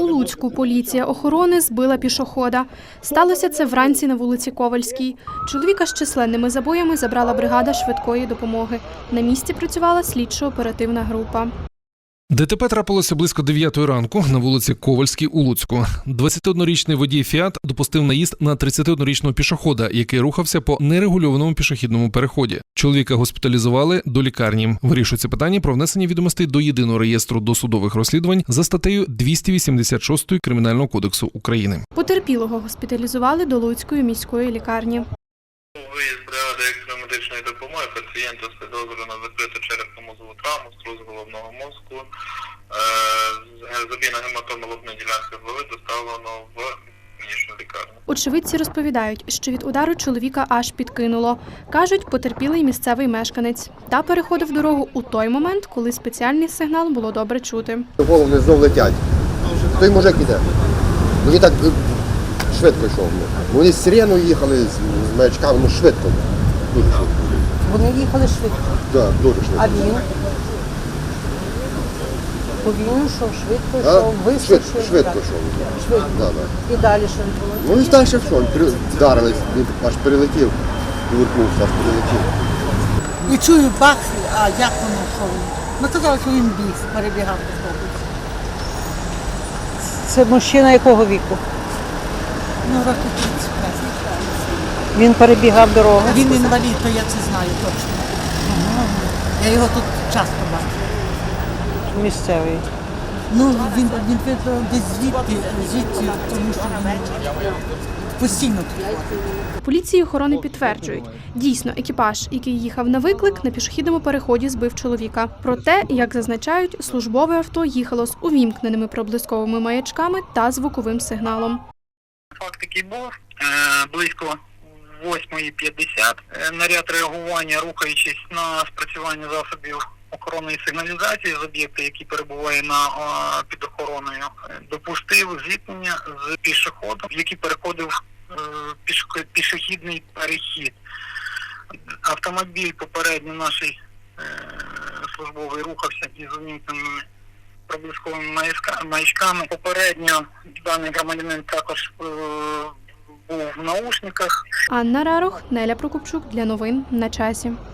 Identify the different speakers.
Speaker 1: Луцьку поліція охорони збила пішохода. Сталося це вранці на вулиці Ковальській. Чоловіка з численними забоями забрала бригада швидкої допомоги. На місці працювала слідчо-оперативна група.
Speaker 2: ДТП трапилося близько 9 ранку на вулиці Ковальській у Луцьку. 21-річний водій «Фіат» допустив наїзд на 31-річного пішохода, який рухався по нерегульованому пішохідному переході. Чоловіка госпіталізували до лікарні. Вирішується питання про внесення відомостей до єдиного реєстру досудових розслідувань за статтею 286 Кримінального кодексу України.
Speaker 1: Потерпілого госпіталізували до Луцької міської лікарні.
Speaker 3: Виїзд бригади екстремедичної допомоги пацієнта з підозрою на закриту черепно-мозгову травму, струс головного мозку, забійна гематома лобної ділянки голови доставлено в клінічну лікарню.
Speaker 1: Очевидці розповідають, що від удару чоловіка аж підкинуло. Кажуть, потерпілий місцевий мешканець. Та переходив дорогу у той момент, коли спеціальний сигнал було добре чути.
Speaker 4: Головне знов летять. Той мужик іде. Він так швидко йшов. Вони з сирену їхали, з маячками, швидко. Дуже швидко.
Speaker 5: Вони їхали швидко.
Speaker 4: Так, дуже швидко.
Speaker 5: А він? Повільно йшов, швидко йшов, височив.
Speaker 4: Швидко йшов.
Speaker 5: Швидко.
Speaker 4: Да, да.
Speaker 5: І далі що було?
Speaker 4: Ну і далі все, вдарились, він аж перелетів, повернувся, аж перелетів.
Speaker 5: І чую бах, а як воно йшов? Ми казали, що він біг, перебігав по вулиці. Це мужчина якого віку? Ну, років 35. Він перебігав дорогу? Він інвалід, то я це знаю точно. Я його тут часто бачу. Місцевий. Ну, він десь звідти, тому що він постійно тут.
Speaker 1: Поліції охорони підтверджують, дійсно екіпаж, який їхав на виклик, на пішохідному переході збив чоловіка. Проте, як зазначають, службове авто їхало з увімкненими проблисковими маячками та звуковим сигналом.
Speaker 3: Факт який був, близько 8:50 наряд реагування, рухаючись на спрацювання засобів охоронної сигналізації з об'єкта, який перебуває під охороною, допустив зіткнення з пішоходом, який переходив пішохідний перехід. Автомобіль попередньо наш службовий рухався із увімкненими проблисковими маячками. Попередньо даний громадянин також був в наушниках.
Speaker 1: Анна Рарох, Неля Прокопчук для новин на часі.